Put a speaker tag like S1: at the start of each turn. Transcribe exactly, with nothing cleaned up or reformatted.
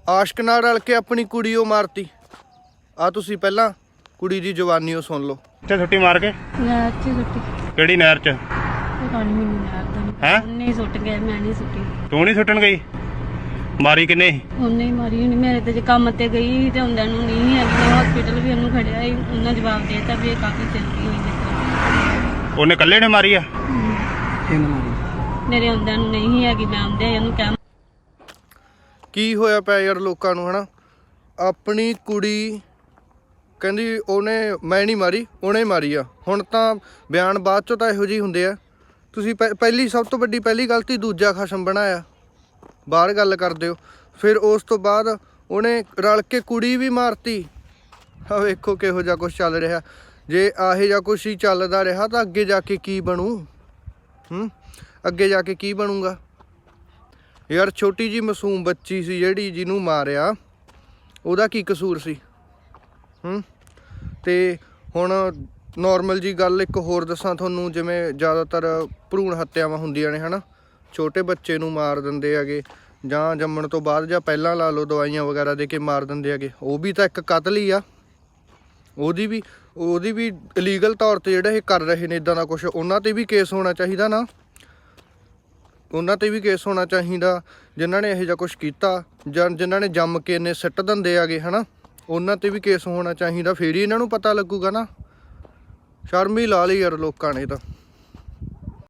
S1: ਆਸ਼ਕ ਨਾਲ ਰਲ ਕੇ ਆਪਣੀ ਕੁੜੀ ਉਹ ਮਾਰਤੀ। ਆ ਤੁਸੀਂ ਪਹਿਲਾਂ ਕੁੜੀ ਦੀ ਜਵਾਨੀ ਉਹ ਸੁਣ ਲਓ।
S2: ਇੱਥੇ ਛੁੱਟੀ ਮਾਰ ਕੇ
S3: ਨਹਿਰ 'ਚ ਸੁੱਟੀ।
S2: ਕਿਹੜੀ ਨਹਿਰ 'ਚ?
S3: ਪਤਾ ਨਹੀਂ ਮੈਨੂੰ ਨਹਿਰ ਦਾ।
S2: ਹੈਂ?
S3: ਉਹਨੇ ਹੀ ਸੁੱਟ ਗਿਆ, ਮੈਂ ਨਹੀਂ ਸੁੱਟੀ।
S2: ਤੂੰ ਨਹੀਂ ਸੁੱਟਣ ਗਈ? ਮਾਰੀ ਕਿੰਨੇ?
S3: ਉਹਨੇ ਹੀ ਮਾਰੀ ਹੋਣੀ। ਮੇਰੇ ਤੇ ਜੇ ਕੰਮ ਤੇ ਗਈ ਤੇ ਹੁੰਦਿਆਂ ਨੂੰ ਨਹੀਂ ਹੈਗੀ। ਮੈਂ ਹਸਪੀਟਲ ਵੀ ਉਹਨੂੰ ਖੜਿਆ ਸੀ, ਉਹਨਾਂ ਜਵਾਬ ਦੇਤਾ ਵੀ ਇਹ ਕਾਫੀ ਚਲਦੀ ਹੋਈ ਜਿੱਦਾਂ।
S2: ਉਹਨੇ ਇਕੱਲੇ ਨੇ ਮਾਰੀ ਆ?
S3: ਮੇਰੇ ਹੁੰਦਿਆਂ ਨੂੰ ਨਹੀਂ ਹੈਗੀ। ਮੈਂ ਆਉਂਦੇ ਉਹਨੂੰ ਕਹਿ
S1: ਕੀ ਹੋਇਆ ਪਿਆ ਯਾਰ ਲੋਕਾਂ ਨੂੰ ਹਨਾ। ਆਪਣੀ ਕੁੜੀ ਕਹਿੰਦੀ ਉਹਨੇ ਮੈਂ ਨਹੀਂ ਮਾਰੀ, ਉਹਨੇ ਮਾਰੀ ਆ। ਹੁਣ ਤਾਂ ਬਿਆਨ ਬਾਅਦ ਚੋਂ ਤਾਂ ਇਹੋ ਜਿਹੇ ਹੁੰਦੇ ਆ। ਤੁਸੀਂ ਪਹਿ ਪਹਿਲੀ ਸਭ ਤੋਂ ਵੱਡੀ ਪਹਿਲੀ ਗਲਤੀ ਦੂਜਾ ਖਸਮ ਬਣਾਇਆ, ਬਾਹਰ ਗੱਲ ਕਰਦੇ ਹੋ। ਫਿਰ ਉਸ ਤੋਂ ਬਾਅਦ ਉਹਨੇ ਰਲ ਕੇ ਕੁੜੀ ਵੀ ਮਾਰਤੀ। ਆ ਵੇਖੋ ਕਿਹੋ ਜਿਹਾ ਕੁਛ ਚੱਲ ਰਿਹਾ। ਜੇ ਆਹੇ ਜਿਹਾ ਕੁਛ ਹੀ ਚੱਲਦਾ ਰਿਹਾ ਤਾਂ ਅੱਗੇ ਜਾ ਕੇ ਕੀ ਬਣੂ? ਹੂੰ ਅੱਗੇ ਜਾ ਕੇ ਕੀ ਬਣੂਗਾ ਯਾਰ? ਛੋਟੀ ਜੀ ਮਾਸੂਮ ਬੱਚੀ ਸੀ ਜਿਹੜੀ ਜਿਹਨੂੰ ਮਾਰਿਆ, ਉਹਦਾ ਕੀ ਕਸੂਰ ਸੀ? ਹੂੰ ਤੇ ਹੁਣ ਨੋਰਮਲ ਜੀ ਗੱਲ ਇੱਕ ਹੋਰ ਦੱਸਾਂ ਤੁਹਾਨੂੰ। ਜਿਵੇਂ ਜ਼ਿਆਦਾਤਰ ਭਰੂਣ ਹੱਤਿਆਵਾਂ ਹੁੰਦੀਆਂ ਨੇ ਹਨਾ, ਛੋਟੇ ਬੱਚੇ ਨੂੰ ਮਾਰ ਦਿੰਦੇ ਹੈਗੇ, ਜਾਂ ਜੰਮਣ ਤੋਂ ਬਾਅਦ ਜਾਂ ਪਹਿਲਾਂ ਲਾ ਲਓ ਦਵਾਈਆਂ ਵਗੈਰਾ ਦੇ ਕੇ ਮਾਰ ਦਿੰਦੇ ਹੈਗੇ। ਉਹ ਵੀ ਤਾਂ ਇੱਕ ਕਤਲ ਹੀ ਆ। ਉਹਦੀ ਵੀ ਉਹਦੀ ਵੀ ਇਲੀਗਲ ਤੌਰ 'ਤੇ ਜਿਹੜਾ ਇਹ ਕਰ ਰਹੇ ਨੇ ਇੱਦਾਂ ਦਾ ਕੁਛ, ਉਹਨਾਂ 'ਤੇ ਵੀ ਕੇਸ ਹੋਣਾ ਚਾਹੀਦਾ ਨਾ। ਉਹਨਾਂ 'ਤੇ ਵੀ ਕੇਸ ਹੋਣਾ ਚਾਹੀਦਾ ਜਿਨ੍ਹਾਂ ਨੇ ਇਹੋ ਜਿਹਾ ਕੁਛ ਕੀਤਾ, ਜਾਂ ਜਿਨ੍ਹਾਂ ਨੇ ਜੰਮ ਕੇ ਇੰਨੇ ਸਿੱਟ ਦਿੰਦੇ ਹੈਗੇ ਹੈ ਨਾ। ਉਹਨਾਂ 'ਤੇ ਵੀ ਕੇਸ ਹੋਣਾ ਚਾਹੀਦਾ। ਫਿਰ ਹੀ ਇਹਨਾਂ ਨੂੰ ਪਤਾ ਲੱਗੂਗਾ ਨਾ। ਸ਼ਰਮ ਹੀ ਲਾ ਲਈ ਯਾਰ ਲੋਕਾਂ ਨੇ ਤਾਂ।